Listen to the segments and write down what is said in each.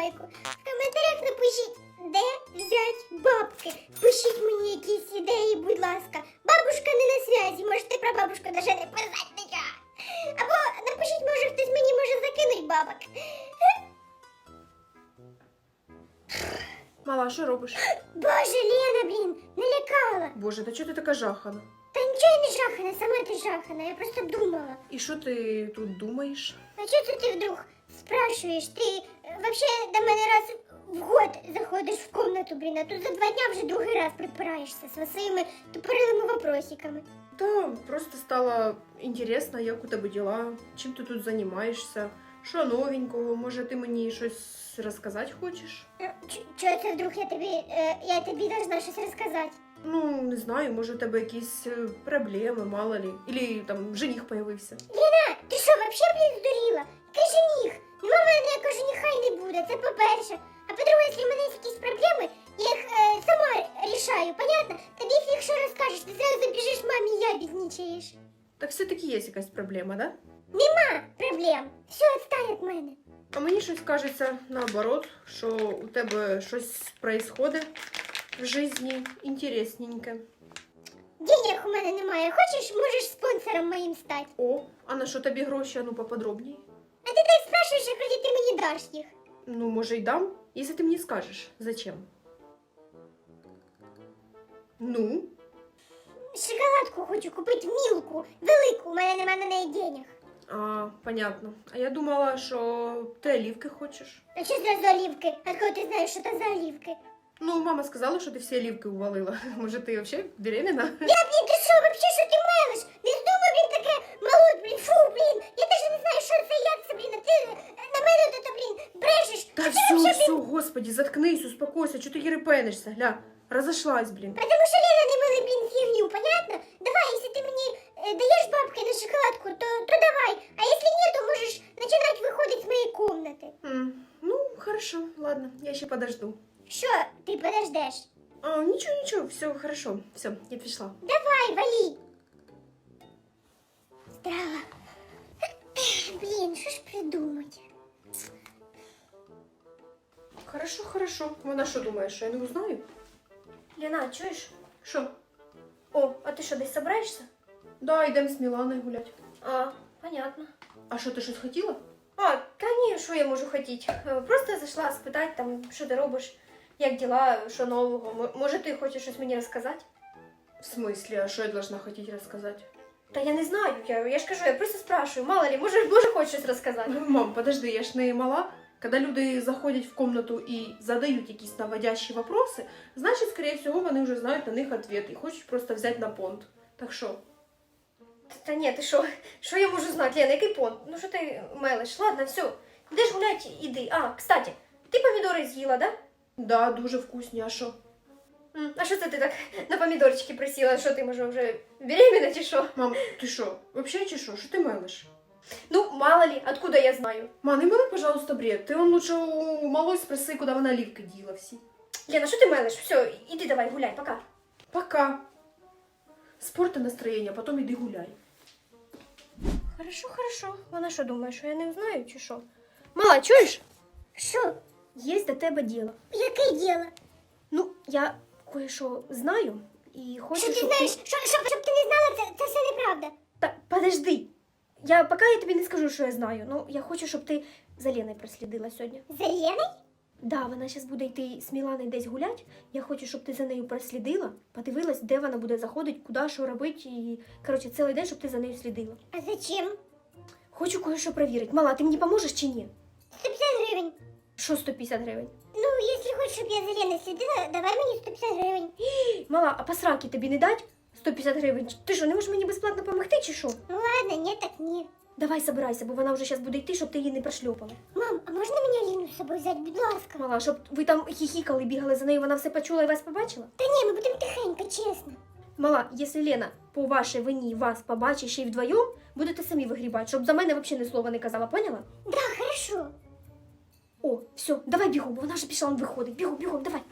вподобайку. В коментарях напишіть, де взяти бабки. Пишіть мені якісь ідеї, будь ласка. Бабушка не на зв'язі, можете про бабушку навіть не писати нічого. Або напишіть, може хтось мені може закинуть бабок. Мала, що робиш? Боже, Лена, блін, налякала. Боже, та чого ти така жахана? Та нічого я не жахана, сама ти жахана, я просто думала. І що ти тут думаєш? А чого це ти вдруг спрашиваєш? Ти вообще до мене раз в год заходиш в комнату, блін, а тут за 2 дня вже другий раз припираєшся зі своїми тупорилими вопросиками. Та просто стало інтересно, як у тебе діла, чим ти тут займаєшся, що новенького, може ти мені щось розказати хочеш? Чого це вдруг я тобі должна щось розказати? Ну, не знаю, може у тебе якісь проблеми, мало ли, или там жених появився. Ліна, ти що, вообще, блін, здуріла? Який жених? Нема в мене ніякого жениха і не буде, це по-перше. А по-друге, якщо в мене є якісь проблеми, я їх сама рішаю, понятно? Тобі, якщо розкажеш, ти зразу біжиш мамі і ябідничаєш. Так все-таки є якась проблема, да? Нема проблем. Все, відстань від мене. А мені щось кажеться наоборот, що у тебе щось происходит в житті інтересненьке. Денег у мене немає. Хочеш, можеш спонсором моїм стати. О, а на що тобі гроші, а ну поподробнее? А ти так спрашуєш, як вроді ти мені даш їх. Ну, може, й дам, если ты мне скажешь, зачем. Ну? Шоколадку хочу купити мілку, велику, у мене немає на неї денег. А, понятно. А я думала, що ти олівки хочеш. А що за олівки? Откуда ти знаєш, що це за олівки? Ну, мама сказала, що ти всі олівки увалила. Може, ти вообще беременна? Я, блін, ти що, вообще, що ти мелиш? Не здумай, блін, таке молоть, блін, фу, блін. Я даже не знаю, що це, як це, блін, а ти на мене тут, блін, брешеш. Та А ти все, вообще, все, блін, господи, заткнись, успокойся, чого ти єрепенишся, гля, розошлась, блін. потому що Лена не мили, блін, фігню, понятно? Давай, якщо ти мені даєш бабки на шоколадку, то давай. А якщо ні, то можеш починати виходити з моєї комнати. Ну, хорошо, ладно, я ще подожду. Що ти подождеш? А, нічого, все, хорошо, все, я пішла. Давай, вали. Здраво. Блін, що ж придумати? Хорошо. Вона що думає, що я не узнаю? Лена, чуєш? Що? О, а ти що, десь собираєшся? Да, йдемо з Міланою гулять. А, понятно. А що, ти щось хотіла? А, та ні, що я можу хотіти? Просто зайшла спитати, там, що ти робиш, як діла, що нового. Може, ти хочеш щось мені розказати? В смислі, а що я должна хотіти розказати? Та я не знаю, я ж кажу, я просто спрашиваю, мало ли, може хочеш щось розказати. Ну, мам, подожди, я ж не мала. Когда люди заходять в комнату і задають якісь наводящі вопроси, значить, скорее всього, вони вже знають на них ответ і хочуть просто взяти на понт. Так що? Та ні, ти що я можу знати, Лена, який понт? Ну що ти мелиш? Ладно, все, йдеш гулять, іди. А, кстати, ти помідори з'їла, да? Да, дуже вкусні, а що? А що це ти так на помідорчики присіла? Що ти, може, вже беременна чи що? Мам, ти що, вообще чи що? Що ти мелиш? Ну, мало ли, откуда я знаю? Ма, не мели, пожалуйста, бред. Ти он лучше у малой спроси, куди вона олівки діла всі. Лена, що ти мелиш? Все, іди давай, гуляй, пока. Пока. Спорти настроєння, потім іди гуляй. Хорошо. Вона що думає, що я не знаю, чи що? Мала, чуєш? Що? Є до тебе діло. Яке діло? Ну, я кое-що знаю і хочу, Що ти щоб знаєш? Щоб ти не знала, це все неправда. Та, подожди. Поки я тобі не скажу, що я знаю. Ну, я хочу, щоб ти за Леною прослідила сьогодні. За Леною? Да, вона зараз буде йти з Міланою десь гулять. Я хочу, щоб ти за нею прослідила, подивилась, де вона буде заходити, куди, що робити. І, коротше, цілий день, щоб ти за нею слідила. А зачем? Хочу кое-що перевірити. Мала, ти мені поможеш чи ні? 150 гривень. Що 150 гривень? Ну, якщо хочеш, щоб я за Леною слідила, давай мені 150 гривень. Мала, а по сраки тобі не дать 150 гривень? Ти що, не можеш мені безплатно допомогти чи що? Ну ладно, ні, так ні. Давай собирайся, бо вона вже зараз буде йти, щоб ти її не прошльопала. Мам, а можна мені Аліну з собою взяти, будь ласка? Мала, щоб ви там хіхікали, бігали за нею, вона все почула і вас побачила? Та ні, ми будемо тихенько, чесно. Мала, якщо Лена по вашій вині вас побачить ще й вдвоєм, будете самі вигрібати, щоб за мене взагалі ні слова не казала, поняла? Да, хорошо. О, все, давай бігом, бо вона вже пішла, он виходить. Бігом, давай.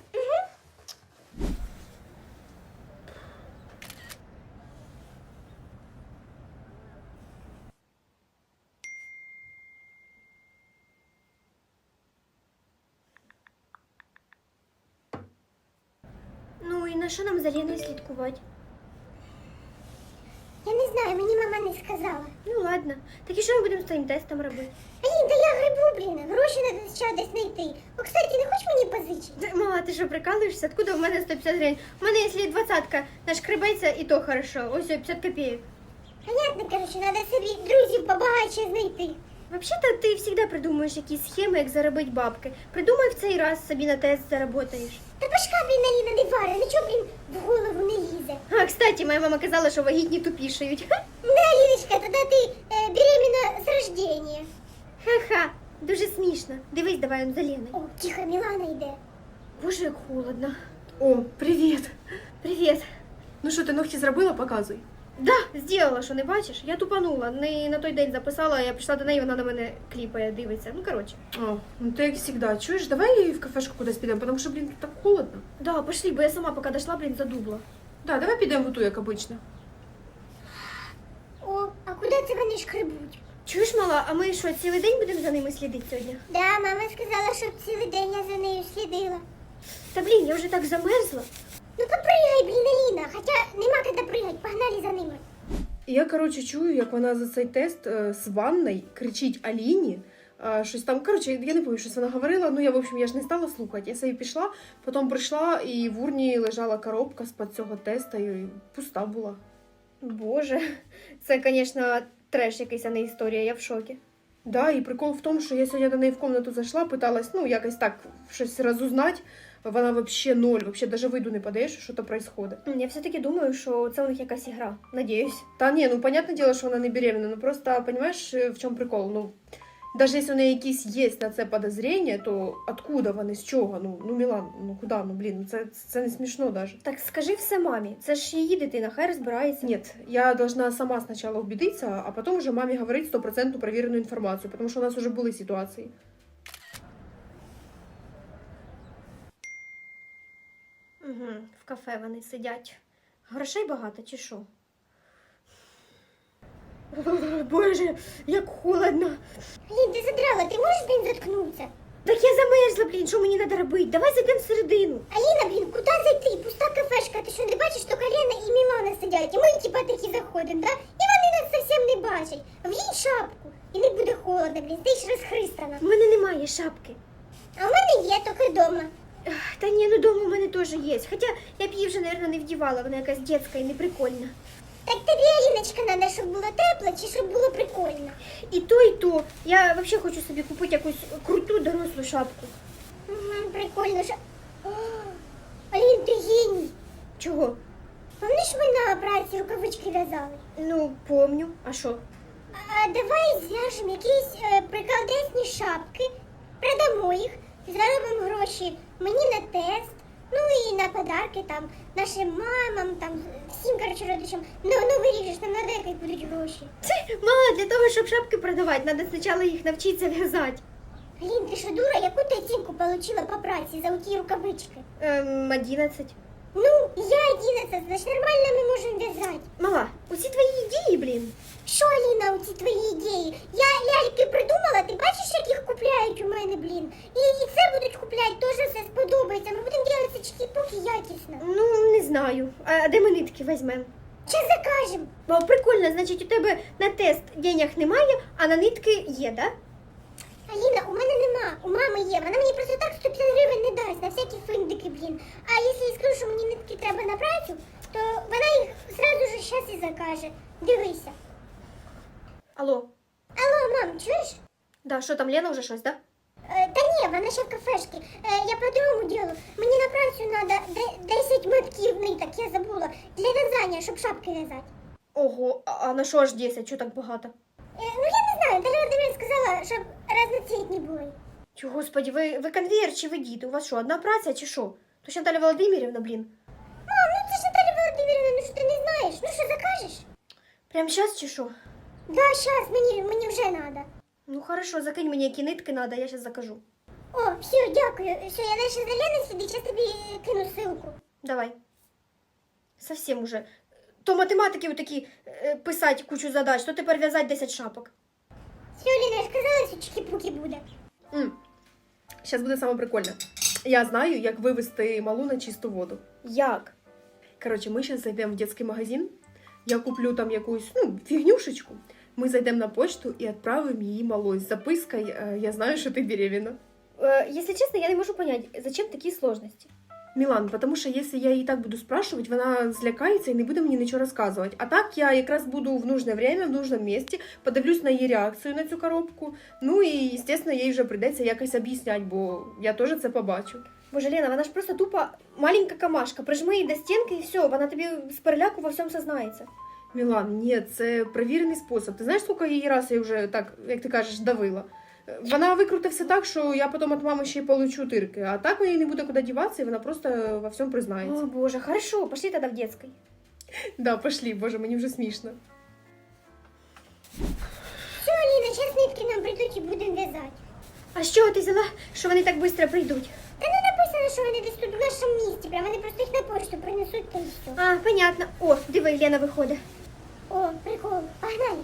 за що нам за Леною слідкувати? Я не знаю, мені мама не сказала. Ну ладно. Так і що ми будемо з твоїм тестом робити? Алін, да я грибу, блін, гроші треба ще десь знайти. О, кстати, не хочеш мені позичити? Мама, ти що, прикалуєшся? Откуда в мене 150 гривень? У мене, якщо 20-ка нашкребеться, і то хорошо. Ось 50 копійок. Понятно, короче, треба собі друзів побагатше знайти. Взагалі-то ти завжди придумуєш якісь схеми, як заробити бабки. Придумай в цей раз собі на тест заработаєш. Та башка, блін, Аліна, не вари, нічого, блін, в голову не лізе. А, кстати, моя мама казала, що вагітні тупішають. Да, Аліночка, тоді ти беременна з рождения. Ха-ха, дуже смішно. Дивись, давай он за Леною. О, тихо, Мілана йде. Боже, як холодно. О, привіт. Привіт. Ну що, ти ногті зробила? Показуй. Да, зробила, що не бачиш? Я тупанула. Не на той день записала, я прийшла до неї, вона на мене кліпає, дивиться. Ну, коротше. О, ну ти як завжди. Чуєш, давай в кафешку кудись підемо, тому що, блін, тут так холодно. Да, пошли, бо я сама поки дошла, блін, задубла. Да, давай підемо в ту, як обично. О, а куди це вони шкребуть? Чуєш, мала, а ми що, цілий день будемо за ними слідити сьогодні? Да, мама сказала, щоб цілий день я за нею слідила. Та блін, я вже так замерзла. Ну попригай, блін, Аліна, хоча нема куди пригати, погнали за ними. І я, коротше, чую, як вона за цей тест з ванной кричить Аліні. Щось там, коротше, я не пам'ятаю, щось вона говорила, ну я, в общем, я ж не стала слухати. Я собі пішла, потім прийшла, і в урні лежала коробка з-під цього теста, і пуста була. Боже, це, звісно, треш якийсь, а не історія, я в шокі. Да, і прикол в тому, що я сьогодні до неї в комнату зайшла, питалась, ну, якось так, щось розузнати. Вона вообще ноль, вообще даже виду не подаєш, що то происходит. Я все-таки думаю, що це у них якась ігра, надіюсь. Та ні, ну, понятне діло, що вона не беременна, ну, просто, понимаешь, в чому прикол? Ну, даже якщо у неї якісь є на це подозрення, то откуда вони, з чого? Ну, Мілан, ну, куди, ну, блін, це не смішно даже. Так скажи все мамі, це ж її дитина, хай розбирається. Нет, я должна сама сначала убедиться, а потом уже маме говорить 100% проверенную информацию, потому что у нас уже были ситуации. Угу, в кафе вони сидять. Грошей багато чи що? Боже, як холодно. Алін, ти задрала, ти можеш, блін, заткнутися? Так я замерзла, блін, що мені треба робити? Давай зайдемо всередину. Аліна, блін, куди зайти? Пуста кафешка, ти що не бачиш, що Лена і Мілана сидять, і ми типа такі заходимо, да? І вони нас зовсім не бачать. Вдінь шапку, і не буде холодно, блін, ти ж розхристана. У мене немає шапки. А в мене є, тільки вдома. Та ні, ну дома у мене теж є. Хоча я б її вже, мабуть, не вдівала, вона якась дитяча і неприкольна. Так тобі, Аліночка, треба, щоб було тепло, чи щоб було прикольно? І то, і то. Я взагалі хочу собі купити якусь круту дорослу шапку. Угу, прикольно, що... О, Алін, ти геній. Чого? Пам'ятаєш, ми на праці рукавички в'язали? Ну, помню. А що? А давай зв'яжемо якісь приколдесні шапки, продамо їх, заробимо гроші мені на тест, ну і на подарки там, нашим мамам, там, всім, коротше, родичам. На Новий рік ж нам надо якось будуть гроші. Мама, для того, щоб шапки продавати, треба спочатку їх навчитися в'язати. Алін, ти що, дура, яку ти оцінку отримала по праці за оті рукавички? 11. Ну, я 11, значить нормально ми можемо в'язати. Мала, усі твої ідеї, блін. Що, Аліна, оці твої ідеї? Я ляльки придумала, ти бачиш, як їх купляють у мене, блін? І це будуть купляти, теж все сподобається. Ми будемо робити чики-пуки якісно. Ну, не знаю. А де ми нитки візьмемо? Чи закажемо? О, прикольно, значить, у тебе на тест денег немає, а на нитки є, да? Аліна, у мене нема, у мами є. Вона мені просто так 150 гривень не дасть на всякі финдики, блін. А якщо я скажу, що мені нитки треба на працю, то вона їх зразу ж зараз і закаже. Дивися. Алло. Алло, мам, чуєш? Да, що там, Лена вже щось, да? Та ні, вона ще в кафешці. Я по другому ділу. Мені на працю треба 10 метків ниток, я забула. Для в'язання, щоб шапки в'язати. Ого, а на що аж 10, що так багато? Ну я не знаю, Дар'я Володимирівна сказала, щоб разноцвітні були. Чого, господи, ви конвейер чи ви діти? У вас що, одна праця чи що? То ж Наталя Володимирівна, блін. Мам, ну це ж Наталя Володимирівна, ну що ти не знаєш? Ну що, закажеш? Прям зараз чи що? Да, щас, мені вже треба. Ну хорошо, закинь мені, які нитки надо, я зараз закажу. О, все, дякую. Все, я далі за Леною сидить, зараз тобі кину ссылку. Давай. Совсем уже. То математики такі писати кучу задач, то тепер в'язати 10 шапок. Все, Ліна, я ж казала, що чики-пуки буде. Зараз буде саме прикольне. Я знаю, як вивести малу на чисту воду. Як? Короче, мы сейчас зайдем в детский магазин. Я куплю там якусь, фигнюшечку. Мы зайдем на почту и отправим її малой з запиской «Я знаю, что ты беременна». Если честно, я не можу понять, зачем такі сложності? Мілан, потому що якщо я її так буду спрашивать, вона злякається і не буде мені нічого розказувати. А так я якраз буду в нужне время, в нужному місці, подивлюсь на її реакцію на цю коробку. Ну і, звісно, їй вже прийдеться якось об'ясняти, бо я теж це побачу. Боже, Лена, вона ж просто тупо маленька камашка. Прижми її до стінки і все, вона тобі з переляку во всьому сознається. Мілан, ні, це перевірений спосіб. Ти знаєш, скільки її раз я вже так, як ти кажеш, давила? Вона викрутить все так, що я потім від мами ще й получу тирки. А так мені не буде куди діватися, і вона просто во всьому признається. О, боже, хорошо, пошли тоді в детской. Да, пошли, боже, мені вже смішно. Все, Аліна, зараз нитки нам прийдуть і будемо в'язати. А з чого ти взяла, що вони так швидко прийдуть? Та не написано, що вони десь тут в нашому місті, прям вони просто їх на пошту принесуть та і все. А, понятно. О, диви, Лена виходить. О, прикол, погнали.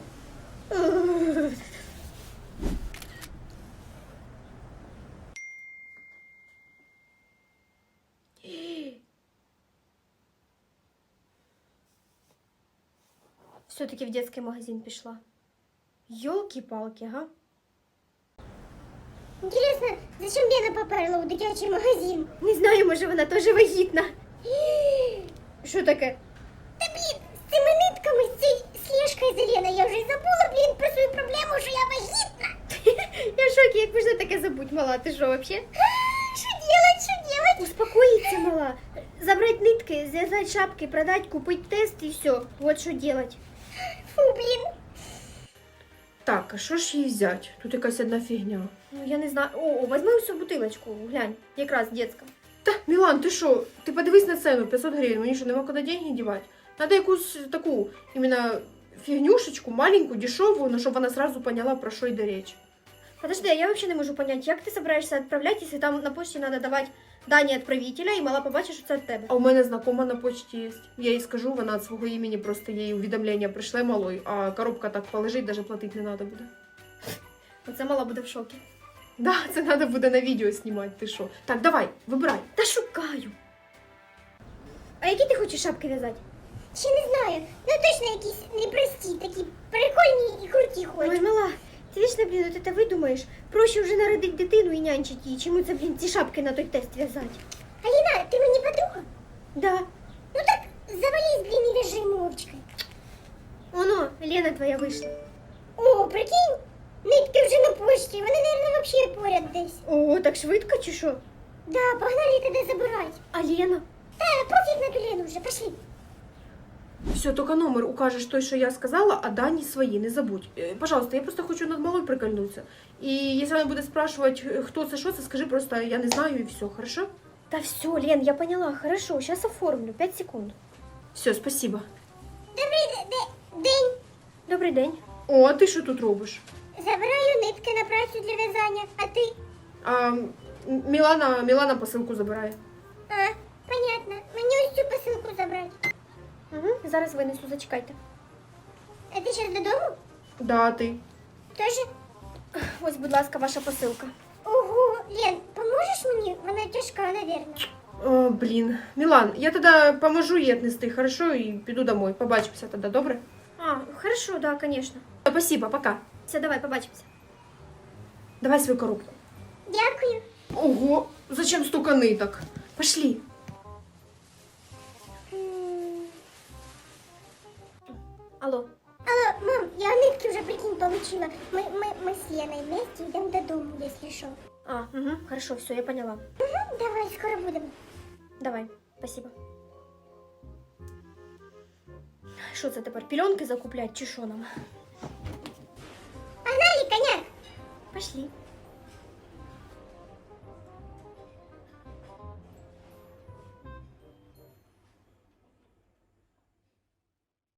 Все-таки в детский магазин пішла. Йолки-палки, га? Інтересно, зачем Лена поперла у дитячий магазин? Не знаю, може вона теж вагітна. Що таке? Та блін, з цими нитками, з цією слежкою за Леною, я вже й забула, блін, про свою проблему, що я вагітна. Я в шокі, як можна таке забудь, мала, ти що, вообще? Що делать, що делать? Успокоїться, мала. Забрать нитки, зв'язать шапки, продать, купить тест і все. Вот що делать. Фу, блін. Так, а що ж їй взяти? Тут якась одна фігня. Ну, я не знаю. О, возьми усю бутилочку, глянь, якраз детська. Та, Мілан, ти що? Ти подивись на ціну, 500 гривень, мені що, нема куди деньги дівати? Надо якусь таку, іменно фігнюшечку, маленьку, дешеву, но щоб вона сразу поняла, про що йде річ. Подожди, а я вообще не можу понять, як ти собираєшся відправляти, якщо там на почті треба давати дані відправителя, і мала побачить, що це від тебе. А у мене знакома на почті є. Я їй скажу, вона від свого імені просто їй увідомлення прийшле малой, а коробка так полежить, навіть платити не треба буде. Оце мала буде в шокі. Да, це треба буде на відео знімати, ти що. Так, давай, вибирай. Та шукаю. А які ти хочеш шапки в'язати? Ще не знаю, ну точно якісь непрості, такі прикольні і круті Ой, хочу. мала, ти вічно, блін, от це видумаєш. Проще вже народити дитину і нянчити її, чому це, блін, ці шапки на той тест в'язати. Аліна, ти мені подруга? Да. Ну так завались, блін, і в'яжи мовчки. Оно, Лена твоя вийшла. О, прикинь, нитки вже на пошті, вони, мабуть, взагалі поряд десь. О, так швидко чи що? Да, погнали туди забирати. А Лена? Та, пофіг на ту Лену вже, пошли. Все, только номер укажешь той, что я сказала, а дані свої, не забудь. Пожалуйста, я просто хочу над малой прикольнуться. И если она будет спрашивать, кто це, що це, скажи просто, я не знаю, и все, хорошо? Та все, Лен, я поняла, хорошо, сейчас оформлю, 5 секунд. Все, спасибо. Добрий день. Добрий день. О, а ти що тут робиш? Забираю нитки на працю для в'язання, а ти? Мілана посилку забирає. А, понятно. Мені ось цю посилку забрати. Угу, зараз винесу, зачекайте. А ти зараз додому? Да, а ти. Тоже? Ось, будь ласка, ваша посилка. Ого, Лен, поможеш мені? Вона тяжка, наверное. О, блін. Мілан, я тоді поможу їй віднести, хорошо, і піду домой. Побачимося тоді, добре? А, хорошо, да, конечно. Спасибо, пока. Все, давай, побачимося. Давай свою коробку. Дякую. Ого, зачем столько ниток? Пошли. Алло. Алло, мам, я нитки вже, прикинь, получила. Ми з Леною вместе йдемо додому, якщо що. А, угу, хорошо, все, я поняла. Угу, давай, скоро будемо. Давай, спасибо. Що це тепер, пільонки закуплять чи що нам? Погнали, коняк. Пошли.